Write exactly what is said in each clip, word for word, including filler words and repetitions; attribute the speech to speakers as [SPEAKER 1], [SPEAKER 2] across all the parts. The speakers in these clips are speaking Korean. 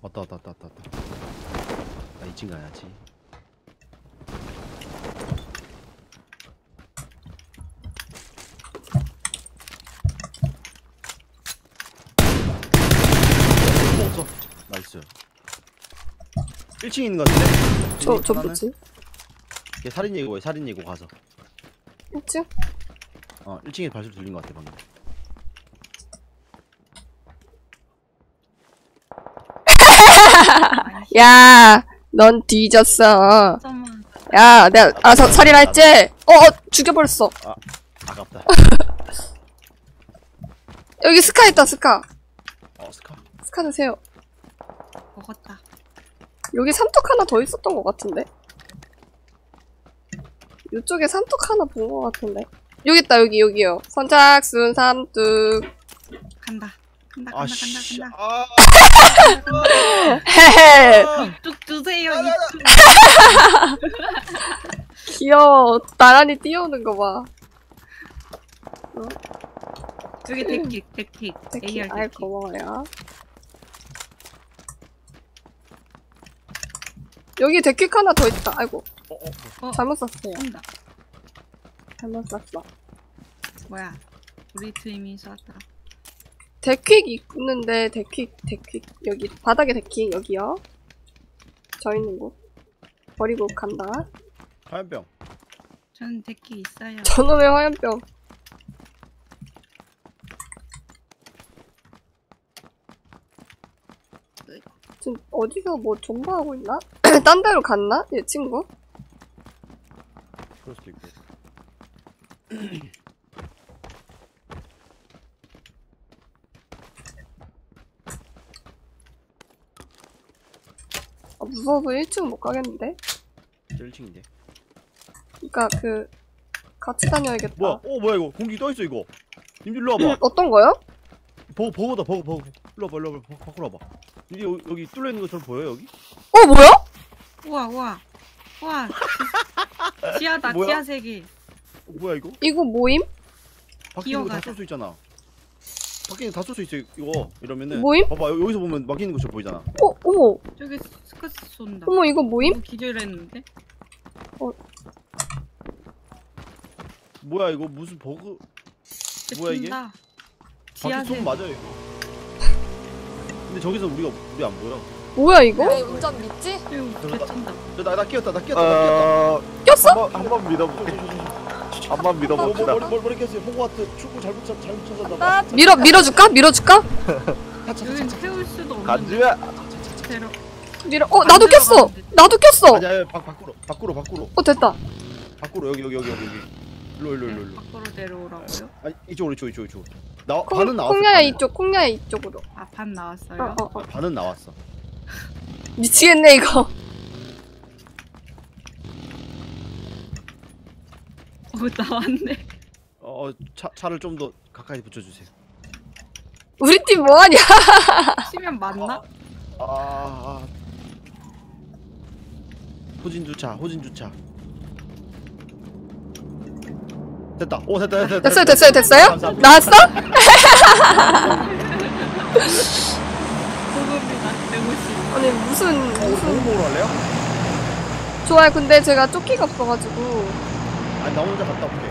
[SPEAKER 1] 왔다 왔다 왔다 왔다 왔다. 나 이 층 가야지. 먹었어. 나이스. 일 층에 있는 거 같은데?
[SPEAKER 2] 저, 저 뭐지?
[SPEAKER 1] 걔 살인 예고해. 살인 예고 가서.
[SPEAKER 2] 일 층?
[SPEAKER 1] 어, 일 층에 발소리 들린 거 같아 방금.
[SPEAKER 2] 야, 넌 뒤졌어. 야, 내가 알아서 살인할지? 어, 어, 죽여버렸어.
[SPEAKER 1] 아, 아깝다.
[SPEAKER 2] 여기 스카 있다, 스카.
[SPEAKER 1] 어, 스카.
[SPEAKER 2] 스카 드세요.
[SPEAKER 3] 먹었다.
[SPEAKER 2] 여기 삼뚝 하나 더 있었던 것 같은데? 이쪽에 삼뚝 하나 본 것 같은데? 여기 있다, 여기, 여기요. 선착순 삼뚝.
[SPEAKER 3] 간다. 간다, 간다,
[SPEAKER 1] 아, 씨.
[SPEAKER 3] 간다,
[SPEAKER 1] 아,
[SPEAKER 3] 간다.
[SPEAKER 2] 헤헤.
[SPEAKER 3] 이뚝 주세요, 이뚝.
[SPEAKER 2] 귀여워. 나란히 뛰어오는 거 봐.
[SPEAKER 3] 여기 데킥, 데킥.
[SPEAKER 2] 특히,
[SPEAKER 3] 에이알
[SPEAKER 2] 아이,
[SPEAKER 3] 데킥.
[SPEAKER 2] 고마워요. 여기 데킥 하나 더 있다. 아이고.
[SPEAKER 1] 어, 어,
[SPEAKER 3] 어,
[SPEAKER 2] 잘못 쐈어요.
[SPEAKER 3] 쏜다.
[SPEAKER 2] 잘못 쐈어.
[SPEAKER 3] 뭐야. 우리 팀이 쐈다.
[SPEAKER 2] 데킥 있는데, 데킥, 데킥. 여기, 바닥에 데킥, 여기요. 저 있는 곳. 버리고 간다.
[SPEAKER 1] 화염병.
[SPEAKER 3] 저는 데킥 있어요.
[SPEAKER 2] 저놈의 화염병. 지금 어디서 뭐 존버하고 있나? 딴 데로 갔나? 얘 친구?
[SPEAKER 1] 그럴 수도 있고.
[SPEAKER 2] 아, 무서워서 일 층 못 가겠는데?
[SPEAKER 1] 저 일 층인데.
[SPEAKER 2] 그니까 그 같이 다녀야겠다.
[SPEAKER 1] 뭐야? 어, 뭐야 이거? 공기 떠 있어 이거. 님들 일로 와봐.
[SPEAKER 2] 어떤 거요?
[SPEAKER 1] 버거 버거다 버거 버거. 일로 와봐 일로 와봐. 버- 밖으로 와봐. 여기 여기, 여기 뚫려 있는 것처럼 보여 여기?
[SPEAKER 2] 어 뭐야?
[SPEAKER 3] 우와, 우와. 우와. 지- 지하다,
[SPEAKER 1] 뭐야?
[SPEAKER 3] 지하 세계.
[SPEAKER 1] 어, 뭐야 이거?
[SPEAKER 2] 이거 모임?
[SPEAKER 1] 밖에 있는 거 다
[SPEAKER 3] 기어가자.
[SPEAKER 1] 쏠 수 있잖아. 밖에 있는 거 다 쏠 수 있어 이거. 이러면은.
[SPEAKER 2] 모임?
[SPEAKER 1] 봐봐 여- 여기서 보면 막혀 있는 것처럼 보이잖아.
[SPEAKER 2] 어 어머
[SPEAKER 3] 저기 스커스 쏜다.
[SPEAKER 2] 어머 이거 모임?
[SPEAKER 3] 이거 기절했는데?
[SPEAKER 1] 뭐야 이거 무슨 버그? 뭐야, 이게?
[SPEAKER 3] 쏜다.
[SPEAKER 1] 밖에
[SPEAKER 3] 지하
[SPEAKER 1] 쏘면
[SPEAKER 3] 세계.
[SPEAKER 1] 맞아 이거. 근데 저기서 우리가 우리 안 보여.
[SPEAKER 2] 뭐야 이거?
[SPEAKER 4] 내 운전 믿지?
[SPEAKER 3] 여기 개쩐다.
[SPEAKER 1] 나나 끼었다 나 끼었다 나 끼었다.
[SPEAKER 5] 어...
[SPEAKER 2] 꼈어?
[SPEAKER 5] 한번 한번 믿어볼게. 한번
[SPEAKER 1] 뭐, 뭐,
[SPEAKER 5] 믿어봅시다.
[SPEAKER 1] 머리 머리 머리 꼈어요. 호구하트 축구 잘못 찾 잘못 찾았나 봐.
[SPEAKER 4] 나
[SPEAKER 2] 밀어 밀어줄까? 밀어줄까?
[SPEAKER 3] 여긴 태울 수도 없는데.
[SPEAKER 5] 간주야.
[SPEAKER 3] 데려.
[SPEAKER 2] 밀어. 어 나도 꼈어. 나도 꼈어.
[SPEAKER 1] 아니야 아니, 밖 밖으로 밖으로 밖으로
[SPEAKER 2] 어 됐다.
[SPEAKER 1] 밖으로 여기 여기 여기 여기 여기. 일로 일로 일로 일로.
[SPEAKER 3] 밖으로 내려오라고요?
[SPEAKER 1] 아니 이쪽으로 이쪽 이쪽 이쪽. 나
[SPEAKER 2] 콩,
[SPEAKER 1] 반은 나왔어.
[SPEAKER 2] 콩야야
[SPEAKER 1] 반은.
[SPEAKER 2] 이쪽. 콩야야 이쪽으로.
[SPEAKER 3] 아, 반 나왔어요?
[SPEAKER 2] 어 어 어.
[SPEAKER 1] 반은 나왔어.
[SPEAKER 2] 미치겠네 이거.
[SPEAKER 3] 어, 나왔네.
[SPEAKER 1] 어 차 차를 좀 더 가까이 붙여주세요.
[SPEAKER 2] 우리 팀 뭐하냐?
[SPEAKER 3] 치면 맞나?
[SPEAKER 1] 아, 아. 호진 주차 호진 주차. 됐다. 오 됐다 됐다.
[SPEAKER 2] 됐어요 됐어요 됐어요?
[SPEAKER 1] 감사합니다.
[SPEAKER 2] 나왔어?
[SPEAKER 3] 고급이다. 백오십.
[SPEAKER 2] 아니 무슨
[SPEAKER 1] 무슨
[SPEAKER 2] 무슨
[SPEAKER 1] 먹으러 할래요?
[SPEAKER 2] 좋아요. 근데 제가 조끼가 없어가지고
[SPEAKER 1] 아니 나 혼자 갔다 올게.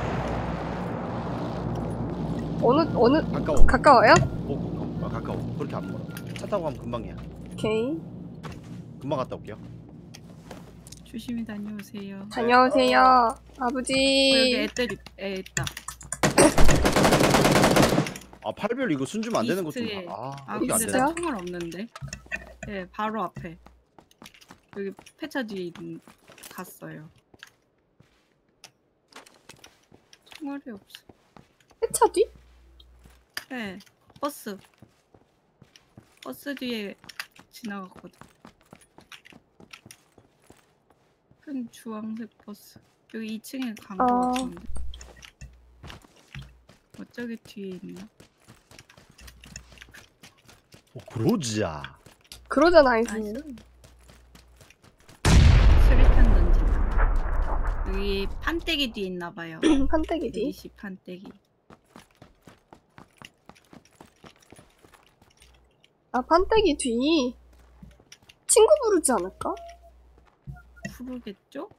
[SPEAKER 2] 어느 어느
[SPEAKER 1] 가까워.
[SPEAKER 2] 가까워요?
[SPEAKER 1] 오, 아, 가까워. 그렇게 안 멀어. 차 타고 가면 금방이야.
[SPEAKER 2] 오케이.
[SPEAKER 1] 금방 갔다 올게요.
[SPEAKER 3] 조심히 다녀오세요.
[SPEAKER 2] 다녀오세요
[SPEAKER 3] 어, 여기
[SPEAKER 2] 아버지.
[SPEAKER 3] 애들이 애 있다.
[SPEAKER 1] 아 팔별 이거 순 주면 안 되는 것좀
[SPEAKER 3] 이스트에.
[SPEAKER 1] 아,
[SPEAKER 3] 아,
[SPEAKER 1] 이게 안
[SPEAKER 3] 근데
[SPEAKER 1] 되나?
[SPEAKER 3] 나 총알 없는데. 네, 바로 앞에. 여기 폐차 뒤에 있는, 갔어요. 총알이 없어.
[SPEAKER 2] 회차 뒤?
[SPEAKER 3] 네, 버스. 버스 뒤에 지나갔거든. 큰 주황색 버스. 여기 이 층에 간 거
[SPEAKER 2] 어.
[SPEAKER 3] 같은데. 어, 저기 뒤에 있나?
[SPEAKER 1] 오, 그러자.
[SPEAKER 2] 그러잖아
[SPEAKER 3] 나이스.
[SPEAKER 2] 아이스.
[SPEAKER 3] 수리탄 던진다. 여기 판때기 뒤에 있나봐요.
[SPEAKER 2] 판때기 뒤.
[SPEAKER 3] 이십 판때기.
[SPEAKER 2] 아 판때기 뒤. 친구 부르지 않을까?
[SPEAKER 3] 부르겠죠?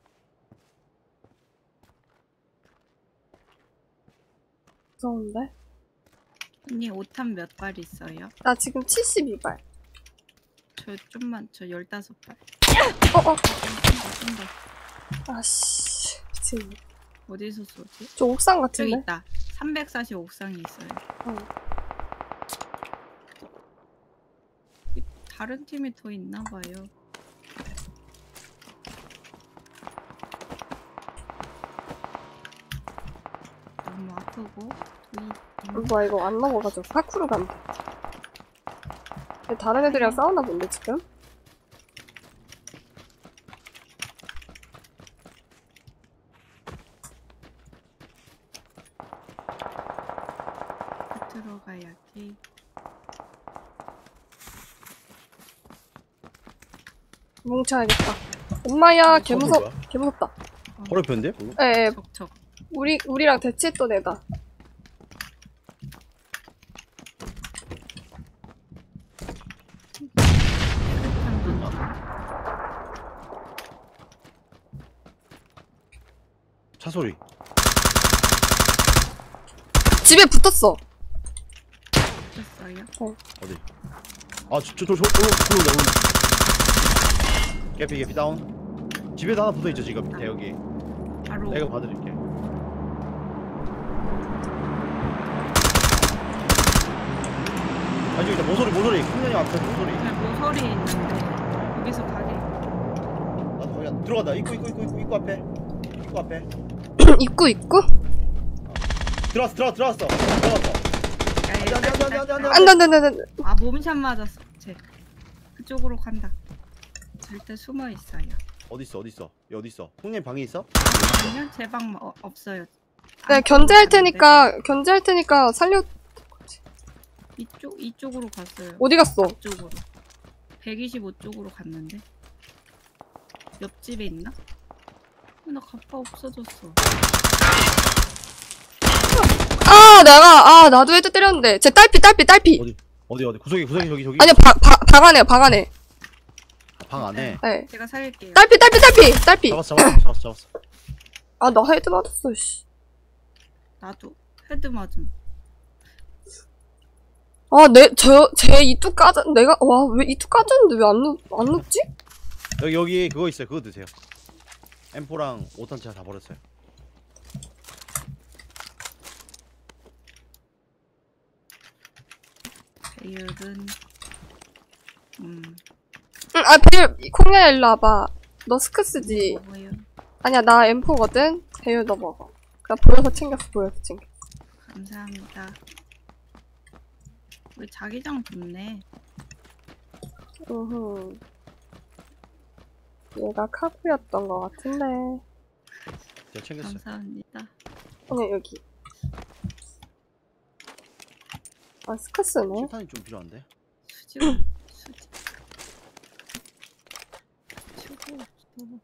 [SPEAKER 2] 무서운데?
[SPEAKER 3] 언니 오탄 몇 발 있어요?
[SPEAKER 2] 나 지금 칠십이 발.
[SPEAKER 3] 저 좀만 저 열다섯 발.
[SPEAKER 2] 어어.
[SPEAKER 3] 쏜다, 쏜다.
[SPEAKER 2] 아씨. 미친.
[SPEAKER 3] 어디서 쏘지?
[SPEAKER 2] 저 옥상
[SPEAKER 3] 저기
[SPEAKER 2] 같은데?
[SPEAKER 3] 있다. 삼백사십 옥상에 있어요.
[SPEAKER 2] 응.
[SPEAKER 3] 다른 팀이 더 있나 봐요. 너무 아프고 도이
[SPEAKER 2] 뭐야 이거 안 넘어가죠. 파쿠르 간다. 근데 다른 애들이랑 싸우나 본데 지금?
[SPEAKER 3] 들어가야지.
[SPEAKER 2] 뭉쳐야겠다. 엄마야 개
[SPEAKER 1] 소리
[SPEAKER 2] 무섭.
[SPEAKER 1] 뭐야?
[SPEAKER 2] 개 무섭다.
[SPEAKER 1] 바로 옆인데? 방금?
[SPEAKER 2] 에
[SPEAKER 3] 적적.
[SPEAKER 2] 우리 우리랑 대치했던 애다.
[SPEAKER 1] 차 소리.
[SPEAKER 2] 집에 붙었어.
[SPEAKER 3] 됐어요?
[SPEAKER 1] 어디? 아, 저, 저, 저, 저, 올라온다, 올라온다. 개피, 개피 다운. 집에도 하나 붙어있죠, 지금, 밑에, 여기.
[SPEAKER 3] 바로
[SPEAKER 1] 내가 봐드릴게. 아, 저기 있다, 모서리, 모서리. 큰년이 앞에 모서리.
[SPEAKER 3] 제 모서리에 있는데 여기서 가게.
[SPEAKER 1] 나도 거기 안- 들어간다. 입구, 입구, 입구, 입구, 입구 앞에. 입구 앞에.
[SPEAKER 2] 입구 입구?
[SPEAKER 1] 들어왔어, 들어왔어, 들어왔어. 들어왔어. 안 돼, 안 돼, 안 돼, 안 돼, 안 돼, 안 돼.
[SPEAKER 2] 안돼 안돼 안돼.
[SPEAKER 3] 아 몸샷 맞았어. 쟤 그쪽으로 간다. 절대 숨어 있어요.
[SPEAKER 1] 어딨어, 어딨어? 여기 어딨어? 형님 방에 있어?
[SPEAKER 3] 아니요, 제 방 어, 없어요.
[SPEAKER 2] 네
[SPEAKER 3] 안
[SPEAKER 2] 견제할
[SPEAKER 3] 들어가는데.
[SPEAKER 2] 테니까 견제할 테니까 살려.
[SPEAKER 3] 이쪽 이쪽으로 갔어요.
[SPEAKER 2] 어디 갔어?
[SPEAKER 3] 이쪽으로 백이십오 쪽으로 갔는데 옆집에 있나? 어, 나 가파 없어졌어.
[SPEAKER 2] 아 내가 아 나도 헤드 때렸는데. 제 딸피 딸피 딸피.
[SPEAKER 1] 어디? 어디, 어디? 구석이, 구석이, 저기, 저기.
[SPEAKER 2] 아니요 방방 안에 방 안에.
[SPEAKER 1] 방 안에.
[SPEAKER 2] 네.
[SPEAKER 3] 제가 살릴게요.
[SPEAKER 2] 딸피 딸피 딸피 딸피.
[SPEAKER 1] 잡았어, 잡았어, 잡았어, 잡았어.
[SPEAKER 2] 아 나 헤드 맞았어 씨.
[SPEAKER 3] 나도 헤드 맞음.
[SPEAKER 2] 아내저제 이뚝 까졌 내가 와 왜 이뚝 까졌는데 왜 안 안 눕지?
[SPEAKER 1] 여기, 여기, 그거 있어요. 그거 드세요. 엠포랑 오탄 제가 다 버렸어요.
[SPEAKER 3] 배율은 음
[SPEAKER 2] 응아 배율 콩야 일로 와봐. 너 스크스지?
[SPEAKER 3] 먹어요.
[SPEAKER 2] 아니야 나 엠포거든. 배율 너 먹어. 그냥 보여서 챙겼어 보여서 챙겼어.
[SPEAKER 3] 감사합니다. 우리 자기장 좋네.
[SPEAKER 2] 으흠. 얘가 카구였던 것 같은데.
[SPEAKER 1] 제가 챙겼어요.
[SPEAKER 3] 감사합니다.
[SPEAKER 2] 아니 여기. 아 스크스네.
[SPEAKER 1] 실탄이 좀 필요한데?
[SPEAKER 3] 수지 수지. 치고 없어.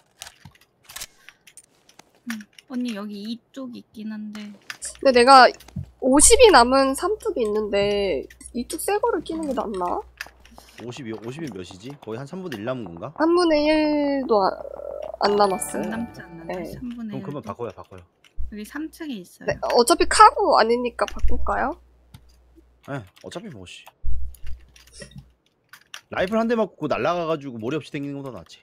[SPEAKER 3] 음, 언니 여기 이쪽 있긴 한데
[SPEAKER 2] 근데 내가 오십이 남은 삼뚝이 있는데 이뚝 새 거를 끼는 게 낫나?
[SPEAKER 1] 오십이, 오십이 몇이지? 거의 한 삼분의 일 남은 건가?
[SPEAKER 2] 삼분의 일도 안, 안 남았어요.
[SPEAKER 3] 안 남지 않는데
[SPEAKER 2] 네.
[SPEAKER 3] 삼분의
[SPEAKER 1] 그럼
[SPEAKER 3] 일.
[SPEAKER 1] 그러면 바꿔요, 바꿔요.
[SPEAKER 3] 여기 삼 층에 있어요.
[SPEAKER 2] 네, 어차피 카구 아니니까 바꿀까요?
[SPEAKER 1] 예, 어차피 뭐, 씨. 라이플 한 대 맞고 날라가가지고 머리 없이 댕기는 것보다 낫지.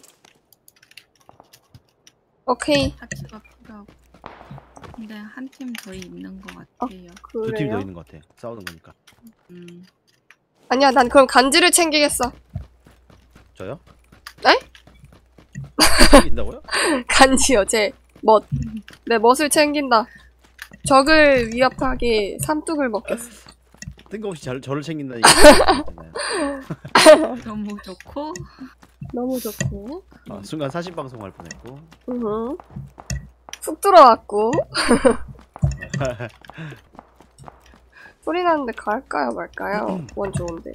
[SPEAKER 2] 오케이.
[SPEAKER 3] 파츠가 필요하고. 근데 한 팀 더 있는 것 같아요.
[SPEAKER 1] 두 팀 더
[SPEAKER 2] 그래요?
[SPEAKER 1] 있는 것 같아. 싸우는 거니까.
[SPEAKER 3] 음.
[SPEAKER 2] 아니야, 난 그럼 간지를 챙기겠어.
[SPEAKER 1] 저요?
[SPEAKER 2] 네?
[SPEAKER 1] 챙긴다고요?
[SPEAKER 2] 간지요, 제 멋. 내 멋을 챙긴다. 적을 위협하게 삼뚝을 먹겠어.
[SPEAKER 1] 뜬금없이 저, 저를 챙긴다니까.
[SPEAKER 3] 너무 좋고
[SPEAKER 2] 너무 좋고.
[SPEAKER 1] 아, 순간 사신 방송 할 뻔했고.
[SPEAKER 2] 으흠. 훅 들어왔고. 소리 나는데 갈까요, 말까요? 원 좋은데.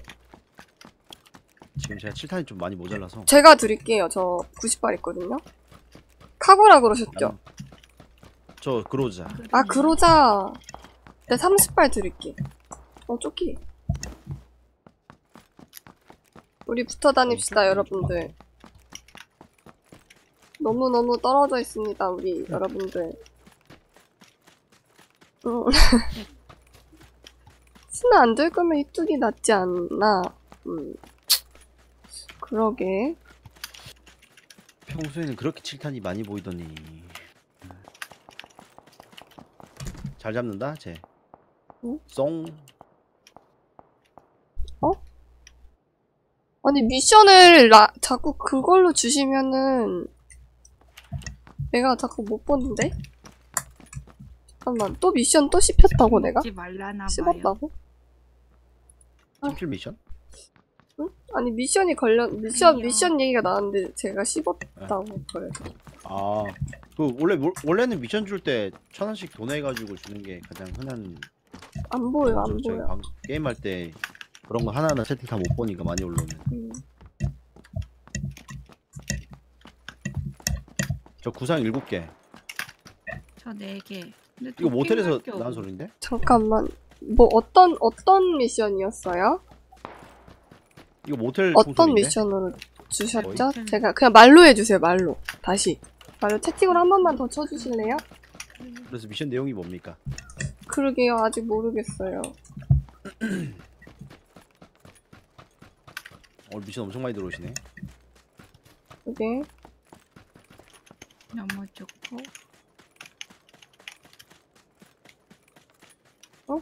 [SPEAKER 1] 지금 제가 칠탄이 좀 많이 모자라서.
[SPEAKER 2] 제가 드릴게요. 저 구십 발 있거든요. 카고라 그러셨죠?
[SPEAKER 1] 저 그로자.
[SPEAKER 2] 아, 그러자. 네, 삼십 발 드릴게. 어, 쪼끼. 우리 붙어 다닙시다, 여러분들. 너무너무 떨어져 있습니다, 우리 여러분들. 응. 스나 안 될 거면 이뚝이 낫지 않나? 음. 그러게.
[SPEAKER 1] 평소에는 그렇게 칠탄이 많이 보이더니. 잘 잡는다, 쟤.
[SPEAKER 2] 응?
[SPEAKER 1] 쏭.
[SPEAKER 2] 어? 아니, 미션을 라, 자꾸 그걸로 주시면은 내가 자꾸 못 보는데? 잠깐만, 또 미션 또 씹혔다고 내가?
[SPEAKER 3] 먹지 말라나 봐요.
[SPEAKER 2] 씹었다고?
[SPEAKER 1] 팀킬 미션?
[SPEAKER 2] 응? 아니, 미션이 관련, 미션,
[SPEAKER 3] 아니요.
[SPEAKER 2] 미션 얘기가 나왔는데 제가 씹었다고 그래서.
[SPEAKER 1] 아, 그 원래 원래는 미션 줄 때 천 원씩 돈 해가지고 주는 게 가장 흔한.
[SPEAKER 2] 안 보여, 안
[SPEAKER 1] 거죠. 저희
[SPEAKER 2] 보여.
[SPEAKER 1] 방- 게임할 때 그런 거 하나하나 채팅 다 못 보니까 많이 올라오는.
[SPEAKER 2] 음.
[SPEAKER 1] 저 구상 일곱 개.
[SPEAKER 3] 저 네 개. 근데
[SPEAKER 1] 이거 모텔에서
[SPEAKER 3] 도핑할 게
[SPEAKER 1] 나온
[SPEAKER 3] 없-
[SPEAKER 1] 소리인데?
[SPEAKER 2] 잠깐만. 뭐, 어떤, 어떤 미션이었어요?
[SPEAKER 1] 이거 모텔
[SPEAKER 2] 어떤
[SPEAKER 1] 총소리인데?
[SPEAKER 2] 미션으로 주셨죠?
[SPEAKER 3] 거의?
[SPEAKER 2] 제가 그냥 말로 해주세요, 말로. 다시. 말로 채팅으로 한 번만 더 쳐주실래요?
[SPEAKER 1] 그래서 미션 내용이 뭡니까?
[SPEAKER 2] 그러게요, 아직 모르겠어요.
[SPEAKER 1] 오늘 미션 엄청 많이 들어오시네.
[SPEAKER 2] 그게.
[SPEAKER 3] 너무 좋고.
[SPEAKER 2] 어?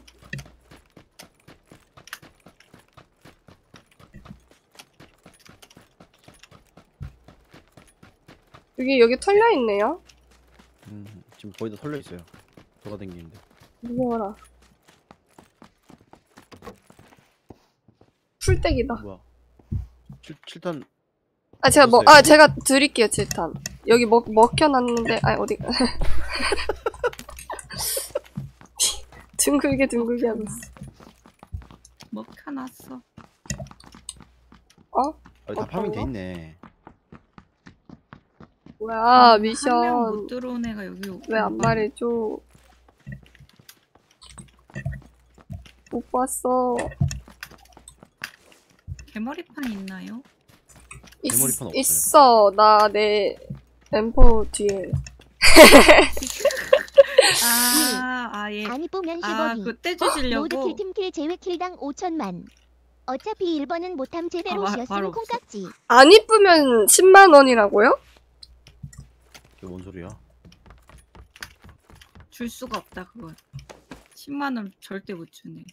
[SPEAKER 2] 여기, 여기 털려있네요?
[SPEAKER 1] 음, 지금 거의 다 털려 있어요. 돌아다니는데.
[SPEAKER 2] 무서워라. 풀떼기다.
[SPEAKER 1] 뭐야? 칠, 칠탄
[SPEAKER 2] 아, 제가 뭐,
[SPEAKER 1] 없었어요?
[SPEAKER 2] 아, 제가 드릴게요, 칠탄. 여기 먹, 먹혀놨는데, 아, 어디, 둥글게 둥글게 하고 있어.
[SPEAKER 3] 먹혀놨어.
[SPEAKER 2] 어?
[SPEAKER 1] 아, 다
[SPEAKER 2] 어떤
[SPEAKER 1] 파밍 돼
[SPEAKER 2] 거?
[SPEAKER 1] 있네.
[SPEAKER 2] 뭐야,
[SPEAKER 3] 한 명
[SPEAKER 2] 미션.
[SPEAKER 3] 못 들어온 애가 여기
[SPEAKER 2] 왜 안
[SPEAKER 3] 오고
[SPEAKER 2] 말해줘? 못 봤어.
[SPEAKER 3] 개머리판 있나요?
[SPEAKER 2] 있,
[SPEAKER 1] 메모리폰 없어요.
[SPEAKER 2] 있어. 나 내 엠포 뒤에.
[SPEAKER 3] 아, 아 예.
[SPEAKER 4] 안 이쁘면
[SPEAKER 3] 아,
[SPEAKER 4] 십억이.
[SPEAKER 3] 그때
[SPEAKER 4] 모두
[SPEAKER 3] 주시려고.
[SPEAKER 4] 킬팀킬 제외 킬당 오천만. 어차피 일 번은 못함 제대로
[SPEAKER 3] 아, 바-
[SPEAKER 4] 쉬었음
[SPEAKER 3] 바로 없어.
[SPEAKER 4] 콩깍지.
[SPEAKER 2] 안 이쁘면 십만 원이라고요?
[SPEAKER 1] 그게 뭔 소리야?
[SPEAKER 3] 줄 수가 없다 그건. 십만 원 절대 못 주네.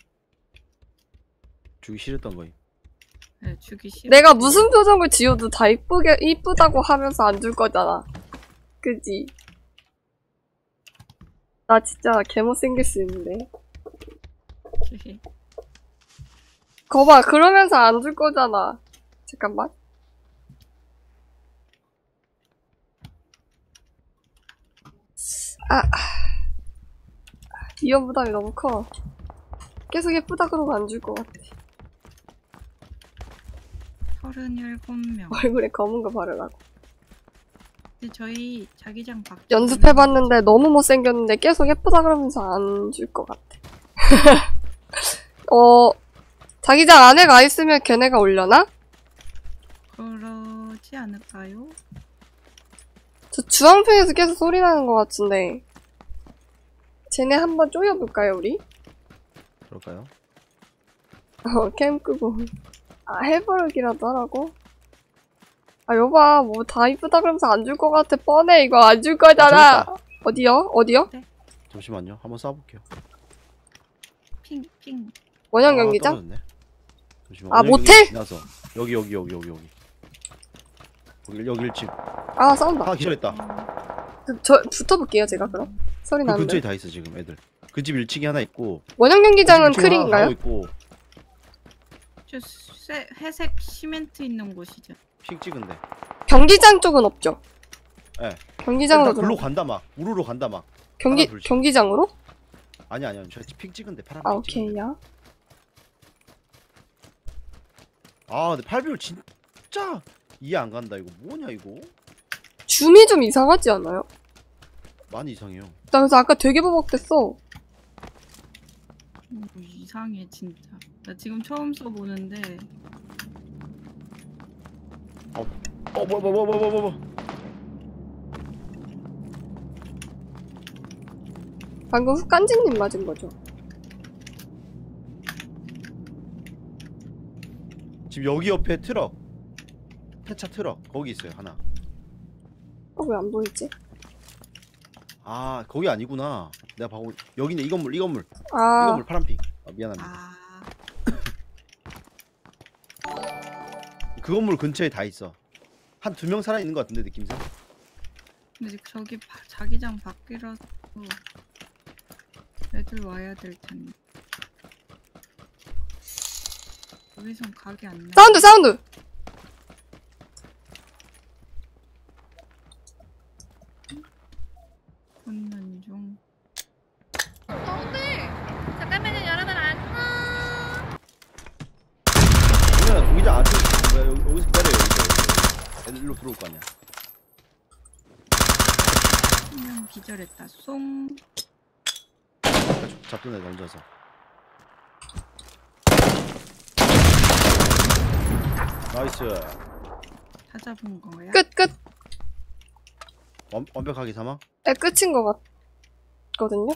[SPEAKER 1] 주기 싫었던 거임.
[SPEAKER 3] 네, 주기 싫어.
[SPEAKER 2] 내가 무슨 표정을 지어도 다 이쁘게, 이쁘다고 하면서 안 줄 거잖아. 그지? 나 진짜 개못생길 수 있는데. 거봐, 그러면서 안 줄 거잖아. 잠깐만. 아, 위험 부담이 너무 커. 계속 예쁘다 그러고 안 줄 것 같아.
[SPEAKER 3] 서른일곱 명.
[SPEAKER 2] 얼굴에 검은 거 바르라고.
[SPEAKER 3] 근데 저희 자기장 밖
[SPEAKER 2] 연습해봤는데 너무 못생겼는데 계속 예쁘다 그러면서 안 줄 것 같아. 어, 자기장 안에 가 있으면 걔네가 올려나?
[SPEAKER 3] 그러지 않을까요?
[SPEAKER 2] 저 주황색에서 계속 소리 나는 것 같은데. 쟤네 한번 쪼여볼까요, 우리?
[SPEAKER 1] 그럴까요?
[SPEAKER 2] 어, 캠 끄고. 아, 해버리기라도 하라고? 아, 여봐, 뭐 다 이쁘다 그러면서 안 줄 것 같아. 뻔해, 이거 안 줄 거잖아.
[SPEAKER 1] 아,
[SPEAKER 2] 어디요? 어디요?
[SPEAKER 1] 잠시만요. 한번 쏴볼게요.
[SPEAKER 3] 핑, 핑.
[SPEAKER 2] 원형
[SPEAKER 1] 아,
[SPEAKER 2] 경기장?
[SPEAKER 1] 떨어졌네. 잠시만.
[SPEAKER 2] 아,
[SPEAKER 1] 원형
[SPEAKER 2] 모텔?
[SPEAKER 1] 경기장 지나서 여기 여기 여기 여기 여기. 여기 여기 일 층.
[SPEAKER 2] 아, 싸운다.
[SPEAKER 1] 아 기절했다.
[SPEAKER 2] 그, 저, 붙어볼게요, 제가 그럼. 소리
[SPEAKER 1] 그 근처에
[SPEAKER 2] 나는데.
[SPEAKER 1] 다 있어 지금 애들. 그 집 일 층에 하나 있고.
[SPEAKER 2] 원형 경기장은
[SPEAKER 1] 그 집 일 층에 하나
[SPEAKER 2] 크리인가요?
[SPEAKER 1] 가고 있고.
[SPEAKER 3] 저 쇠, 회색 시멘트 있는 곳이죠.
[SPEAKER 1] 픽 찍은데.
[SPEAKER 2] 경기장 쪽은 없죠?
[SPEAKER 1] 예.
[SPEAKER 2] 경기장으로
[SPEAKER 1] 일단 글로
[SPEAKER 2] 들어.
[SPEAKER 1] 간다 막. 우르르 간다 막.
[SPEAKER 2] 경기,
[SPEAKER 1] 하나, 둘, 셋.
[SPEAKER 2] 경기장으로?
[SPEAKER 1] 아니 아니 아니. 저픽 찍은데 파란
[SPEAKER 2] 아,
[SPEAKER 1] 픽 찍은데.
[SPEAKER 2] 오케이야.
[SPEAKER 1] 아 근데 팔 비율 진짜 이해 안 간다. 이거 뭐냐 이거?
[SPEAKER 2] 줌이 좀 이상하지 않아요?
[SPEAKER 1] 많이 이상해요.
[SPEAKER 2] 나 그래서 아까 되게 버벅댔어.
[SPEAKER 3] 오, 이상해 진짜. 나 지금 처음 써보는데
[SPEAKER 1] 어, 어, 뭐, 뭐, 뭐, 뭐, 뭐, 뭐, 뭐.
[SPEAKER 2] 방금 깐지님 맞은 거죠?
[SPEAKER 1] 지금 여기 옆에 트럭. 폐차 트럭. 거기 있어요, 하나.
[SPEAKER 2] 어, 왜 안 보이지?
[SPEAKER 1] 아, 거기 아니구나. 내가 봐고 여기네. 이 건물, 이 건물. 이
[SPEAKER 2] 아,
[SPEAKER 1] 건물 파란핑. 아, 미안합니다.
[SPEAKER 3] 아
[SPEAKER 1] 그 건물 근처에 다 있어. 한 두 명 살아 있는 것 같은데 느낌상.
[SPEAKER 3] 근데 저기 바, 자기장 밖이라서 애들 와야 될 텐데. 여기선 각이 안 나.
[SPEAKER 2] 사운드, 사운드!
[SPEAKER 3] 혼난 중.
[SPEAKER 1] 그러면 동기장 앞에 뭐야? 여기, 여기서 기다려. 여기서. 애들 일로 들어올 거 아니야.
[SPEAKER 3] 한명 기절했다. 송.
[SPEAKER 1] 잡던 애 던져서. 나이스.
[SPEAKER 3] 다 잡은 거야?
[SPEAKER 2] 끝, 끝!
[SPEAKER 1] 완, 완벽하게 사망?
[SPEAKER 2] 네, 끝인 것 같거든요?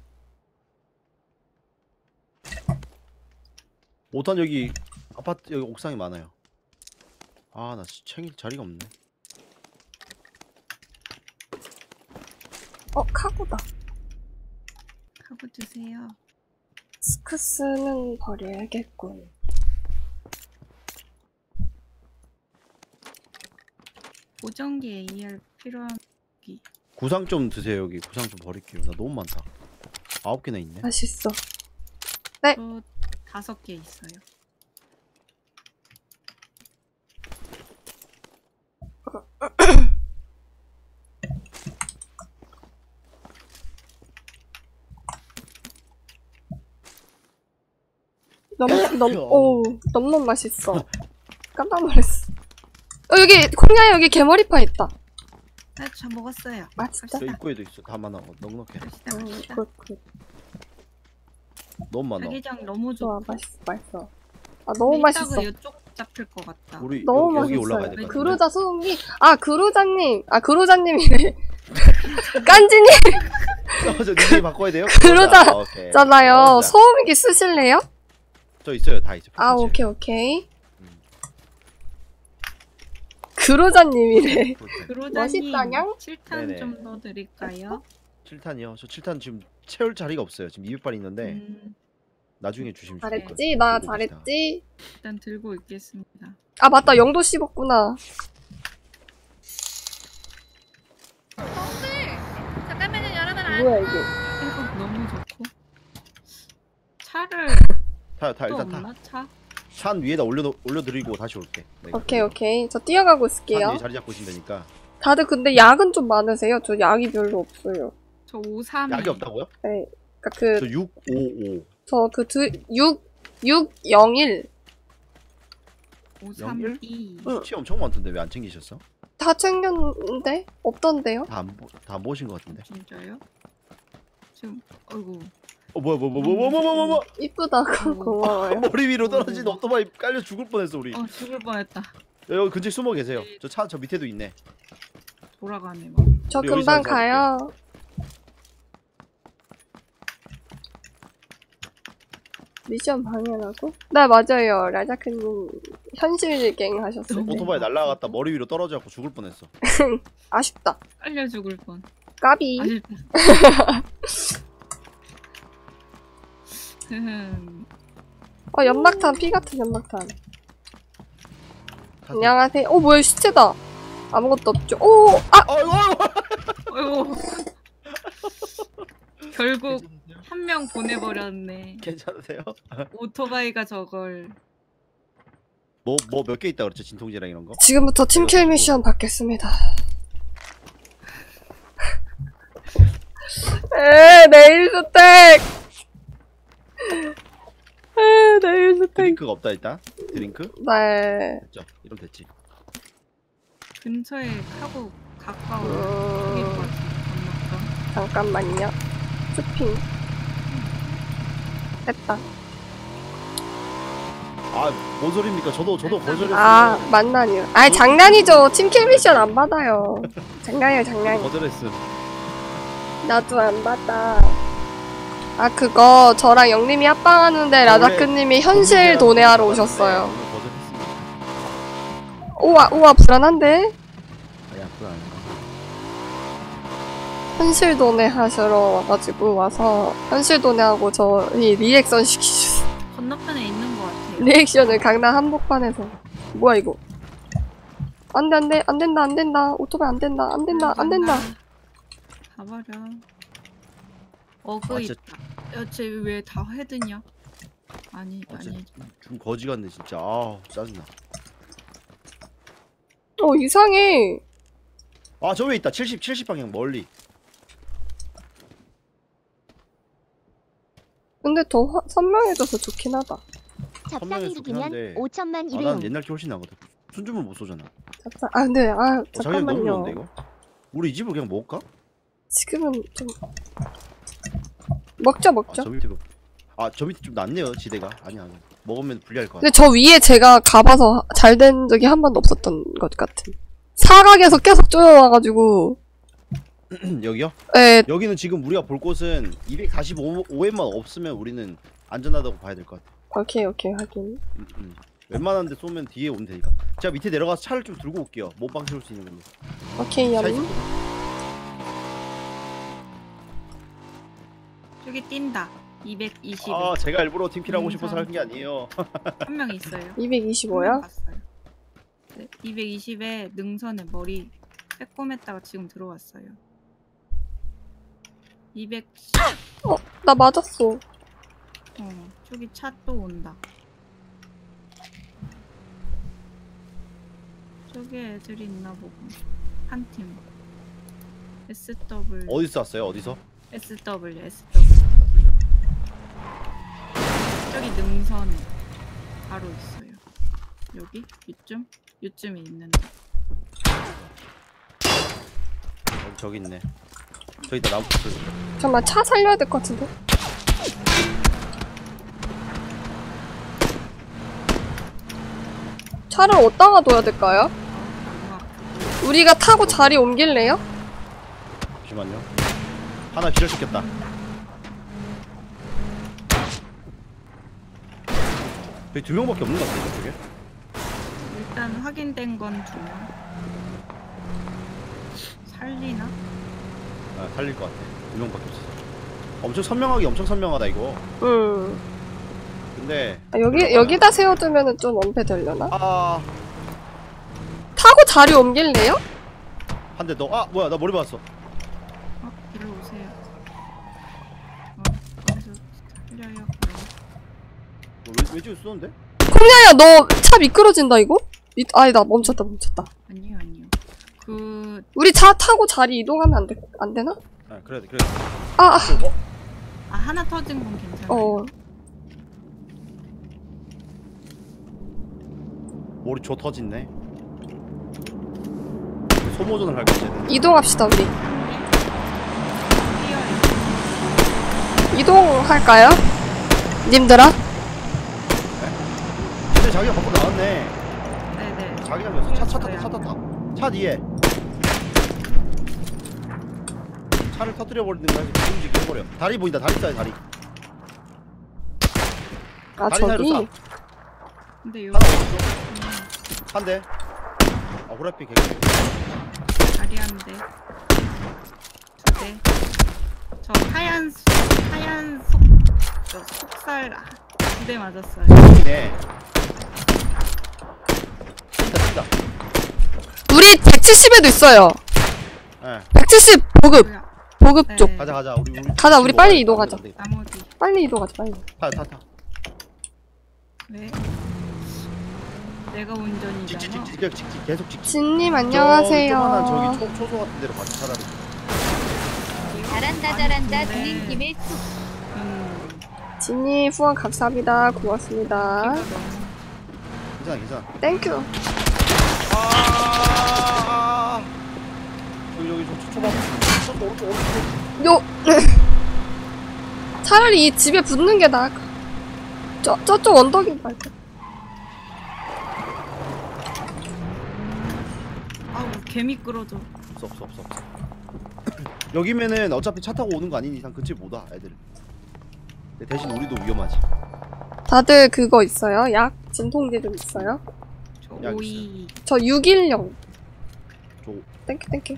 [SPEAKER 1] 오탄 여기 아파트 여기 옥상에 많아요. 아, 나 챙길 자리가 없네.
[SPEAKER 2] 어, 카고다.
[SPEAKER 3] 하고 드세요.
[SPEAKER 2] 스크스는 버려야겠군.
[SPEAKER 3] 보정기 에이알 필요한 기.
[SPEAKER 1] 구상 좀 드세요. 여기 구상 좀 버릴게요. 나 너무 많다. 아홉 개나 있네.
[SPEAKER 2] 맛있어.
[SPEAKER 3] 저 다섯 개 있어요.
[SPEAKER 2] 너무, 너무, 오, 너무 맛있어. 깜짝 놀랐어. 어, 여기, 콩야 여기 개머리파 있다.
[SPEAKER 3] 아, 저 먹었어요.
[SPEAKER 2] 맛있다.
[SPEAKER 1] 저
[SPEAKER 3] 갑시다.
[SPEAKER 1] 입구에도 있어. 다 많아. 넉넉해.
[SPEAKER 3] 갑시다.
[SPEAKER 2] 음,
[SPEAKER 3] 갑시다.
[SPEAKER 2] 굿, 굿.
[SPEAKER 1] 너무 많아.
[SPEAKER 3] 자기장 너무
[SPEAKER 2] 좋아,
[SPEAKER 3] 좋고.
[SPEAKER 2] 맛있어, 맛있어. 아, 너무
[SPEAKER 3] 이따가
[SPEAKER 2] 맛있어.
[SPEAKER 3] 이쪽 잡힐 것 같다.
[SPEAKER 1] 우리
[SPEAKER 2] 너무
[SPEAKER 1] 여기, 여기
[SPEAKER 2] 맛있어요.
[SPEAKER 1] 올라가야 될 것 같은데.
[SPEAKER 2] 그로자 소음기. 아, 그로자님. 아, 그로자님이네. 깐지님
[SPEAKER 1] 어, 저 닉네임 바꿔야 돼요?
[SPEAKER 2] 그러자-
[SPEAKER 1] 아, 오케이.
[SPEAKER 2] 있잖아요.
[SPEAKER 1] 그러자.
[SPEAKER 2] 소음기 쓰실래요?
[SPEAKER 1] 저 있어요. 다 있어.
[SPEAKER 2] 아,
[SPEAKER 1] 펜치.
[SPEAKER 2] 오케이, 오케이.
[SPEAKER 1] 음.
[SPEAKER 2] 그로자님이래.
[SPEAKER 3] 그로자님
[SPEAKER 2] 멋있다냥?
[SPEAKER 3] 칠 탄
[SPEAKER 1] 네네.
[SPEAKER 3] 좀 더 드릴까요?
[SPEAKER 1] 칠 탄이요? 저 칠 탄 지금 채울 자리가 없어요. 지금 이백 발 있는데
[SPEAKER 3] 음,
[SPEAKER 1] 나중에 주시면 좋을 거예요.
[SPEAKER 2] 잘했지? 나
[SPEAKER 1] 들고 계시다.
[SPEAKER 2] 잘했지?
[SPEAKER 3] 일단 들고 있겠습니다.
[SPEAKER 2] 아, 맞다. 영도 씹었구나. 뭐야, 이게.
[SPEAKER 3] 이거 너무 좋고. 차를
[SPEAKER 1] 타, 타
[SPEAKER 3] 또
[SPEAKER 1] 일단 타.
[SPEAKER 3] 없나? 차?
[SPEAKER 1] 산 위에다 올려 올려드리고 다시 올게. 네,
[SPEAKER 2] 오케이, 오케이. 저 뛰어가고
[SPEAKER 1] 산
[SPEAKER 2] 있을게요.
[SPEAKER 1] 위에 자리 잡고 있으면 되니까.
[SPEAKER 2] 다들 근데 약은 좀 많으세요? 저 약이 별로 없어요.
[SPEAKER 3] 저 오삼이.
[SPEAKER 1] 약이 없다고요?
[SPEAKER 2] 네. 그니까 그,
[SPEAKER 1] 저 육 오오.
[SPEAKER 2] 저 그 두, 육, 육영일.
[SPEAKER 3] 오삼이.
[SPEAKER 2] 응.
[SPEAKER 1] 치 엄청 많던데 왜 안 챙기셨어?
[SPEAKER 2] 다 챙겼는데? 없던데요?
[SPEAKER 1] 다안다 모신 것 같은데.
[SPEAKER 3] 진짜요? 지금 어이구.
[SPEAKER 1] 어 뭐야 뭐 뭐 뭐 뭐 뭐 뭐 뭐 뭐
[SPEAKER 2] 이쁘다고 고마워요.
[SPEAKER 1] 머리 위로 떨어진 오토바이 깔려 죽을 뻔했어 우리.
[SPEAKER 3] 어 죽을 뻔했다.
[SPEAKER 1] 여기 근처에 숨어 계세요. 저 차 저 밑에도 있네.
[SPEAKER 3] 돌아가네 막.
[SPEAKER 2] 저
[SPEAKER 1] 우리
[SPEAKER 2] 금방
[SPEAKER 1] 여기서
[SPEAKER 2] 가요. 미션 방해라고? 네, 맞아요. 라자크님 현실갱 하셨어요.
[SPEAKER 3] 네.
[SPEAKER 1] 오토바이 날라갔다 머리 위로 떨어져갖고 죽을 뻔했어.
[SPEAKER 2] 아쉽다.
[SPEAKER 3] 빨려 죽을 뻔.
[SPEAKER 2] 까비.
[SPEAKER 3] 아쉽다. 흐흠.
[SPEAKER 2] 어, 연막탄, 피 같은 연막탄.
[SPEAKER 1] 타세요.
[SPEAKER 2] 안녕하세요. 어, 뭐야, 시체다. 아무것도 없죠. 오, 아!
[SPEAKER 1] 아이고 아이고.
[SPEAKER 3] 어이구. 결국
[SPEAKER 1] 괜찮으세요?
[SPEAKER 3] 한 명 보내버렸네.
[SPEAKER 1] 괜찮으세요?
[SPEAKER 3] 오토바이가 저걸.
[SPEAKER 1] 뭐 뭐 몇 개 있다 그랬죠 진통제랑 이런 거?
[SPEAKER 2] 지금부터 팀킬 미션 받겠습니다. 에, 네일 스택! 에, 네일 스택.
[SPEAKER 1] 드링크가 없다 일단. 드링크?
[SPEAKER 2] 네.
[SPEAKER 1] 됐죠. 이러면 됐지.
[SPEAKER 3] 근처에 하고 가까워. 저기인 것
[SPEAKER 2] 음,
[SPEAKER 3] 같은데.
[SPEAKER 2] 잠깐만요. 스핑. 됐다.
[SPEAKER 1] 아뭔 소리입니까? 저도 저도 거절했어요.
[SPEAKER 2] 아 만나니요. 아 장난이죠. 팀킬 미션 안 받아요. 장난이에요 장난.
[SPEAKER 1] 거절했음.
[SPEAKER 2] 나도 안 받아. 아 그거 저랑 영님이 합방하는데 라다크님이 현실 도내하러 오셨어요.
[SPEAKER 1] 거절했습니다.
[SPEAKER 2] 우와 우와 불안한데?
[SPEAKER 1] 아야 그건 아니야.
[SPEAKER 2] 현실 도내 하시러 와가지고 와서 현실 도내하고 저희 리액션 시키셨어.
[SPEAKER 3] 건너편에 있는 것 같아요.
[SPEAKER 2] 리액션을 강남 한복판에서. 뭐야 이거? 안돼 안돼 안된다 안된다 오토바이 안된다 안된다 안된다.
[SPEAKER 3] 가버려. 어그
[SPEAKER 1] 아, 진짜.
[SPEAKER 3] 있다. 야, 쟤 왜 다 헤드냐? 아니,
[SPEAKER 1] 아, 진짜
[SPEAKER 3] 아니.
[SPEAKER 1] 좀 거지 같네 진짜. 아 짜증나.
[SPEAKER 2] 어 이상해.
[SPEAKER 1] 아 저 위에 있다. 칠십 칠십 방향 멀리.
[SPEAKER 2] 근데 더 화- 선명해져서 좋긴 하다.
[SPEAKER 4] 잡상
[SPEAKER 1] 선명해서
[SPEAKER 4] 일기면
[SPEAKER 1] 좋긴 한데.
[SPEAKER 4] 오천만
[SPEAKER 1] 아 난
[SPEAKER 4] 일회용.
[SPEAKER 1] 옛날 게 훨씬 나거든. 순주문 못 쏘잖아.
[SPEAKER 2] 잡사- 아 근데 아
[SPEAKER 1] 어, 자기장 너무
[SPEAKER 2] 잠깐만요.
[SPEAKER 1] 좋은데 이거? 우리 이 집을 그냥 먹을까?
[SPEAKER 2] 지금은 좀 먹죠 먹죠.
[SPEAKER 1] 아저 밑에 그- 아, 저 밑에 좀 낫네요 지대가. 아니야 아니야. 먹으면 불리할 것 같아.
[SPEAKER 2] 근데 저 위에 제가 가봐서 잘 된 적이 한 번도 없었던 것 같은. 사각에서 계속 쪼여와가지고.
[SPEAKER 1] 여기요?
[SPEAKER 2] 예,
[SPEAKER 1] 여기는 지금 우리가 볼 곳은 이백사십오엠만 없으면 우리는 안전하다고 봐야 될 것 같아.
[SPEAKER 2] 오케이 오케이 하긴.
[SPEAKER 1] 음, 음. 웬만한 데 쏘면 뒤에 오면 되니까. 제가 밑에 내려가서 차를 좀 들고 올게요. 몸빵 세울 수 있는 걸로.
[SPEAKER 2] 오케이
[SPEAKER 1] 차
[SPEAKER 2] 얌.
[SPEAKER 1] 있었거든.
[SPEAKER 3] 저기 뛴다. 이백이십.
[SPEAKER 1] 아 제가 일부러 팀킬하고
[SPEAKER 3] 음,
[SPEAKER 1] 싶어서 하는 게 아니에요.
[SPEAKER 3] 한 명 있어요.
[SPEAKER 2] 이백이십오야?
[SPEAKER 3] 봤어요. 네, 이백이십에 능선에 머리 빼꼼했다가 지금 들어왔어요. 이백십.
[SPEAKER 2] 어, 나 맞았어.
[SPEAKER 3] 어, 저기 차 또 온다. 저기 애들이 있나 보고. 한 팀. 에스더블유.
[SPEAKER 1] 어디서 쐈어요? 어디서?
[SPEAKER 3] 에스더블유, 에스더블유. 저기 능선에 바로 있어요. 여기? 이쯤? 이쯤에 있는데.
[SPEAKER 1] 어, 저기 있네. 저기 있다 나무 저기.
[SPEAKER 2] 잠깐만 차 살려야 될 것 같은데. 차를 어디다가 둬야 될까요?
[SPEAKER 3] 너무 아프고.
[SPEAKER 2] 우리가 타고 자리 옮길래요?
[SPEAKER 1] 잠시만요. 하나 기절시켰다. 저기 두 명밖에 없는 것 같아요 저쪽에.
[SPEAKER 3] 일단 확인된 건 두 명. 살리나?
[SPEAKER 1] 아, 살릴 것 같아. 두 명밖에 없어. 엄청 선명하게 엄청 선명하다 이거.
[SPEAKER 2] 음.
[SPEAKER 1] 근데
[SPEAKER 2] 아, 여기 여기다 세워두면은 좀 엄폐 되려나?
[SPEAKER 1] 아,
[SPEAKER 2] 타고 자리 옮길래요?
[SPEAKER 1] 한 대 더. 아, 뭐야? 나 머리 맞았어.
[SPEAKER 3] 어, 일로 오세요. 어, 거기서 살려요. 그럼.
[SPEAKER 1] 뭐, 왜, 왜 지금 쏘는데?
[SPEAKER 2] 콩야야 너 차 미끄러진다 이거? 미, 아니다 멈췄다 멈췄다.
[SPEAKER 3] 아니요, 아니요. 그,
[SPEAKER 2] 우리 차 타고 자리 이동하면 안 돼, 안 되나?
[SPEAKER 1] 아, 그래야 돼, 그래야 돼.
[SPEAKER 2] 아, 아,
[SPEAKER 1] 어?
[SPEAKER 3] 아, 하나 터진 건 괜찮아요.
[SPEAKER 2] 어.
[SPEAKER 1] 머리 조 터졌네. 소모전을 할 거지.
[SPEAKER 2] 이동합시다 우리.
[SPEAKER 3] 뛰어요.
[SPEAKER 2] 이동할까요? 님들아?
[SPEAKER 1] 근데 자기가 밖으로 나왔네.
[SPEAKER 3] 네네.
[SPEAKER 1] 자기가 몇 차, 차 탔다, 차 탔다. 차 뒤에. 차를 터뜨려 버리는 거야. 움직여 버려. 다리 보인다. 다리 쏴요, 다리.
[SPEAKER 2] 아
[SPEAKER 1] 다리 사이로
[SPEAKER 2] 저기?
[SPEAKER 1] 쏴.
[SPEAKER 3] 근데 요,
[SPEAKER 1] 하나 오른쪽. 한 대. 아, 호라피 개그.
[SPEAKER 3] 다리 한 대. 두 대. 저 하얀, 속- 하얀 속, 저 속살 두 대 맞았어요.
[SPEAKER 1] 네. 뛴다, 뛴다.
[SPEAKER 2] 우리 백칠십에도 있어요.
[SPEAKER 1] 예.
[SPEAKER 2] 백칠십 보급
[SPEAKER 3] 뭐야?
[SPEAKER 2] 보급
[SPEAKER 3] 네.
[SPEAKER 2] 쪽.
[SPEAKER 1] 가자, 가자. 우리, 우리.
[SPEAKER 2] 가자, 우리 빨리 이동하자.
[SPEAKER 3] 나머지.
[SPEAKER 2] 빨리 이동하자 빨리.
[SPEAKER 1] 타, 타, 타.
[SPEAKER 3] 왜? 내가 운전이잖아.
[SPEAKER 1] 직직, 직직, 직직, 계속 직직.
[SPEAKER 2] 진님
[SPEAKER 1] 저기 조그만한 저기
[SPEAKER 2] 안녕하세요.
[SPEAKER 1] 초, 초소 같은 데로 가자, 차라리.
[SPEAKER 4] 잘한다 잘한다
[SPEAKER 3] 아니, 근데-
[SPEAKER 4] 드린 김에 툭.
[SPEAKER 3] 음,
[SPEAKER 2] 진님 후원 감사합니다. 고맙습니다.
[SPEAKER 3] 키가 너무
[SPEAKER 1] 괜찮아, 괜찮아.
[SPEAKER 2] 땡큐.
[SPEAKER 1] 아, 여기, 여기, 저, 초밥. 초밥, 오른쪽, 오른쪽.
[SPEAKER 2] 요 차라리 이 집에 붙는 게 나을 거. 저 저쪽 언덕인 말고.
[SPEAKER 3] 개미 끌어줘.
[SPEAKER 1] 없어 없어 없어 없어. 여기면은 어차피 차 타고 오는 거 아닌 이상 근처에 못 와 애들. 근데 대신 우리도 위험하지.
[SPEAKER 2] 다들 그거 있어요? 약? 진통제 좀 있어요?
[SPEAKER 3] 저
[SPEAKER 1] 약
[SPEAKER 3] 오이.
[SPEAKER 2] 저 육일영.
[SPEAKER 1] 저
[SPEAKER 2] 땡큐 땡큐.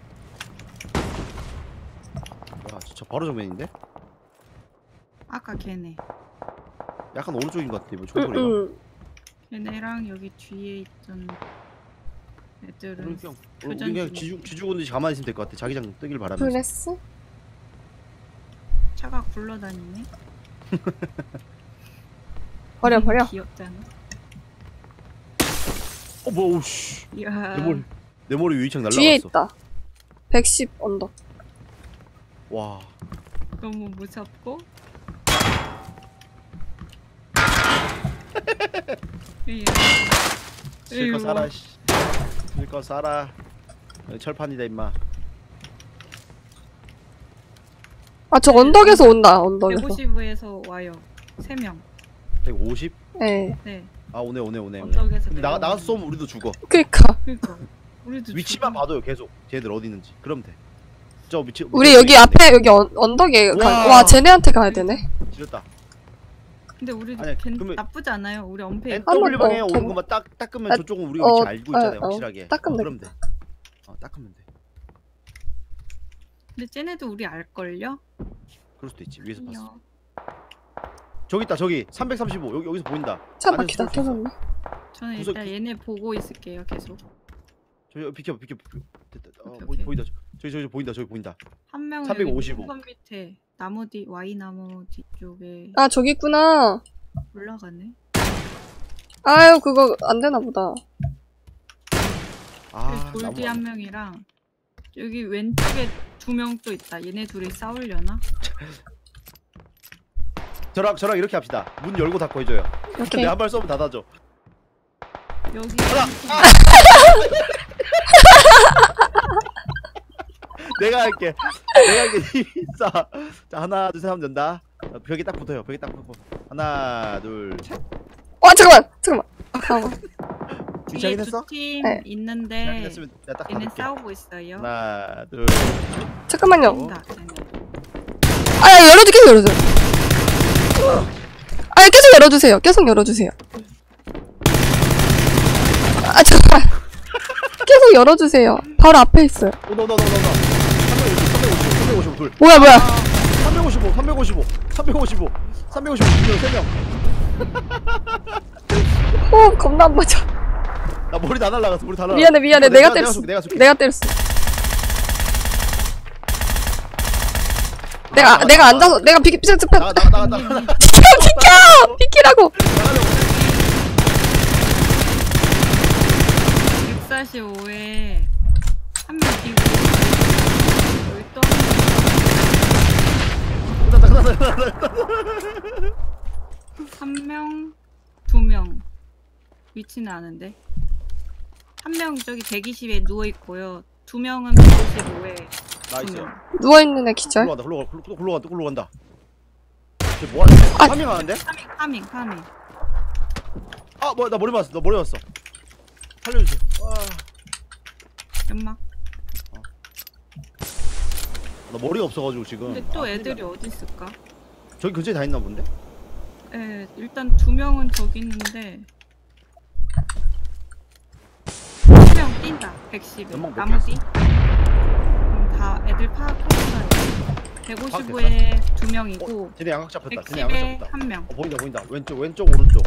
[SPEAKER 1] 야, 진짜 바로 정면인데?
[SPEAKER 3] 아까 걔네.
[SPEAKER 1] 약간 오른쪽인 것 같아. 뭐
[SPEAKER 2] 응,
[SPEAKER 1] 총소리가.
[SPEAKER 2] 응.
[SPEAKER 3] 걔네랑 여기 뒤에 있던 애들은
[SPEAKER 1] 우리 그냥 우리
[SPEAKER 3] 교전
[SPEAKER 1] 그냥
[SPEAKER 3] 중이야.
[SPEAKER 1] 지주 지주군듯이 가만히 있으면 될 것 같아. 자기장 뜨길 바라면서.
[SPEAKER 2] 그랬어?
[SPEAKER 3] 차가 굴러다니네.
[SPEAKER 2] 버려 버려.
[SPEAKER 3] 귀엽잖아.
[SPEAKER 1] 어 뭐야? 오씨.
[SPEAKER 3] 이야.
[SPEAKER 1] 내 머리 내 머리 위창 날라갔어.
[SPEAKER 2] 뒤에 있다. 백십 언덕.
[SPEAKER 1] 와.
[SPEAKER 3] 너무 무섭고. 이야.
[SPEAKER 1] 실컷
[SPEAKER 3] 에이구.
[SPEAKER 1] 살아. 씨. 실컷 살아. 여기 철판이다 임마.
[SPEAKER 2] 아 저 언덕에서 온다. 언덕에서.
[SPEAKER 3] 백오십에서 와요. 세 명.
[SPEAKER 1] 백오십?
[SPEAKER 2] 예.
[SPEAKER 3] 네.
[SPEAKER 1] 아 오네 오네 오네. 오네.
[SPEAKER 3] 언덕에서
[SPEAKER 1] 근데 나가
[SPEAKER 3] 내려오는
[SPEAKER 1] 나가서 쏘면 우리도 죽어.
[SPEAKER 2] 그니까.
[SPEAKER 3] 그러니까. 우리도
[SPEAKER 1] 위치만
[SPEAKER 3] 죽어.
[SPEAKER 1] 봐도요 계속. 쟤들 어디 있는지. 그럼 돼. 저 위치.
[SPEAKER 2] 우리 여기 앞에 여기 언, 언덕에 가.
[SPEAKER 1] 와.
[SPEAKER 2] 와 쟤네한테 가야 되네.
[SPEAKER 1] 지렸다.
[SPEAKER 3] 근데 우리도
[SPEAKER 1] 아니야,
[SPEAKER 3] 괜-
[SPEAKER 1] 그러면-
[SPEAKER 3] 나쁘지 않아요. 우리 엄폐.
[SPEAKER 2] 한번
[SPEAKER 1] 엔더블유 방향에
[SPEAKER 2] 더,
[SPEAKER 1] 오는
[SPEAKER 2] 더.
[SPEAKER 1] 것만 딱 닦으면
[SPEAKER 2] 아,
[SPEAKER 1] 저쪽은 우리가
[SPEAKER 2] 어,
[SPEAKER 1] 위치 알고 있잖아요.
[SPEAKER 2] 어, 어.
[SPEAKER 1] 확실하게.
[SPEAKER 2] 닦으면
[SPEAKER 1] 어, 그럼 돼. 어 닦으면 돼.
[SPEAKER 3] 근데 쟤네도 우리 알걸요?
[SPEAKER 1] 그럴 수도 있지. 위에서 봤어.
[SPEAKER 3] 이야.
[SPEAKER 1] 저기 있다. 저기 삼백삼십오. 여기 여기서 보인다.
[SPEAKER 2] 차
[SPEAKER 1] 안에서
[SPEAKER 2] 바퀴 다
[SPEAKER 1] 쏠수 있어.
[SPEAKER 2] 켜졌네.
[SPEAKER 3] 저는
[SPEAKER 1] 구석-
[SPEAKER 3] 일단 얘네 보고 있을게요. 계속.
[SPEAKER 1] 저기 비켜 비켜 비켜. 됐다. 어,
[SPEAKER 3] 오케이,
[SPEAKER 1] 보이,
[SPEAKER 3] 오케이.
[SPEAKER 1] 보인다. 저기 저기 보인다. 저기 보인다.
[SPEAKER 3] 한 명은
[SPEAKER 1] 삼백오십오.
[SPEAKER 3] 여기 밑에 나무 뒤 와이 나무 뒤쪽에
[SPEAKER 2] 아 저기 있구나.
[SPEAKER 3] 올라가네.
[SPEAKER 2] 아유 그거 안 되나 보다.
[SPEAKER 1] 아,
[SPEAKER 3] 돌
[SPEAKER 1] 나무
[SPEAKER 3] 뒤 한 명이랑 여기 왼쪽에 두 명 또 있다. 얘네 둘이 싸우려나?
[SPEAKER 1] 저랑 저랑 이렇게 합시다. 문 열고 닫고 해줘요.
[SPEAKER 2] 오케이.
[SPEAKER 1] 내가 한 발 쏘면 닫아줘.
[SPEAKER 3] 여기
[SPEAKER 1] 내가 할게. 내가 할게. 힘 자, 자 하나 둘 셋 하면 된다. 어, 벽에 딱 붙어요. 벽에 딱 붙고. 하나 둘 셋.
[SPEAKER 2] 와 잠깐만 잠깐만. 잠깐만.
[SPEAKER 3] 뒤에
[SPEAKER 1] 위치하긴 했어?
[SPEAKER 3] 두팀
[SPEAKER 2] 네.
[SPEAKER 3] 있는데
[SPEAKER 1] 됐으면 내가 딱
[SPEAKER 3] 얘네
[SPEAKER 1] 닫을게.
[SPEAKER 3] 싸우고 있어요.
[SPEAKER 1] 하나 둘.
[SPEAKER 2] 잠깐만요.
[SPEAKER 3] 온다, 쟤네.
[SPEAKER 2] 아 열어줘 계속 열어줘. 아 계속 열어주세요. 계속 열어주세요. 아 잠깐. 계속 열어주세요. 바로 앞에 있어요.
[SPEAKER 1] 오너너너너너. 삼백오십, 삼백오십, 삼백오십 둘.
[SPEAKER 2] 뭐야 뭐야.
[SPEAKER 1] 삼백오십오, 삼백오십오, 삼백오십오, 삼백오십오 세 명.
[SPEAKER 2] 호 겁나 안 맞아.
[SPEAKER 1] 나 머리 다 날라갔어. 머리 다 날라.
[SPEAKER 2] 미안해 미안해. 내가
[SPEAKER 1] 내가
[SPEAKER 2] 때렸어.
[SPEAKER 1] 쏠게, 내가 쏠게.
[SPEAKER 2] 내가 때렸어. 내가
[SPEAKER 1] 나가,
[SPEAKER 2] 내가
[SPEAKER 1] 나가.
[SPEAKER 2] 앉아서 내가 비키 비키 비키
[SPEAKER 1] 나가 나가 나가 나가. 나가.
[SPEAKER 2] 비켜 비키라고.
[SPEAKER 3] 백사십오에 한 명 뒤고 여기 또 한 명, 두 명. 위치는 아는데. 한 명 저기 백이십에 누워 있고요. 두 명은 백오십오에
[SPEAKER 1] 나이스.
[SPEAKER 2] 누워 있는 애 기절.
[SPEAKER 1] 굴러간다. 굴러가. 굴러 굴러간다. 굴러간다. 쟤 뭐하지?
[SPEAKER 2] 아.
[SPEAKER 1] 파밍 하는데?
[SPEAKER 3] 파밍, 파밍, 파밍.
[SPEAKER 1] 아, 뭐야? 나 머리 맞았어. 나 머리 맞았어. 살려주세요. 와.
[SPEAKER 3] 연막.
[SPEAKER 1] 나 머리가 없어가지고 지금.
[SPEAKER 3] 근데 또
[SPEAKER 1] 아,
[SPEAKER 3] 애들이
[SPEAKER 1] 큰일
[SPEAKER 3] 어디 있을까?
[SPEAKER 1] 나. 저기 근처에 다 있나 본데?
[SPEAKER 3] 예, 일단 두 명은 저기 있는데 한 명 뛴다. 백십에
[SPEAKER 1] 연막 몇
[SPEAKER 3] 나무
[SPEAKER 1] 개
[SPEAKER 3] 뒤. 음, 다 애들 파악했어요. 백오십오에 두 명이고
[SPEAKER 1] 쟤네 양각 잡혔다. 쟤네 양각
[SPEAKER 3] 백십에
[SPEAKER 1] 잡혔다.
[SPEAKER 3] 한 명.
[SPEAKER 1] 어, 보인다 보인다. 왼쪽 왼쪽 오른쪽.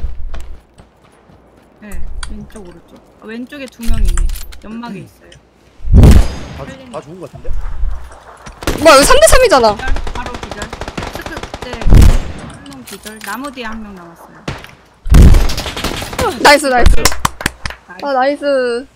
[SPEAKER 3] 네, 왼쪽 오른쪽. 아, 왼쪽에 두 명이네. 연막에 있어요.
[SPEAKER 1] 다, 죽- 다 죽은 것 같은데?
[SPEAKER 2] 뭐야 이거 삼 대 삼이잖아.
[SPEAKER 3] 기절, 바로 기절. 스크 때한명 기절. 나무 뒤에 한 명 남았어요.
[SPEAKER 2] 나이스 나이스.
[SPEAKER 3] 나이스.
[SPEAKER 2] 아 나이스.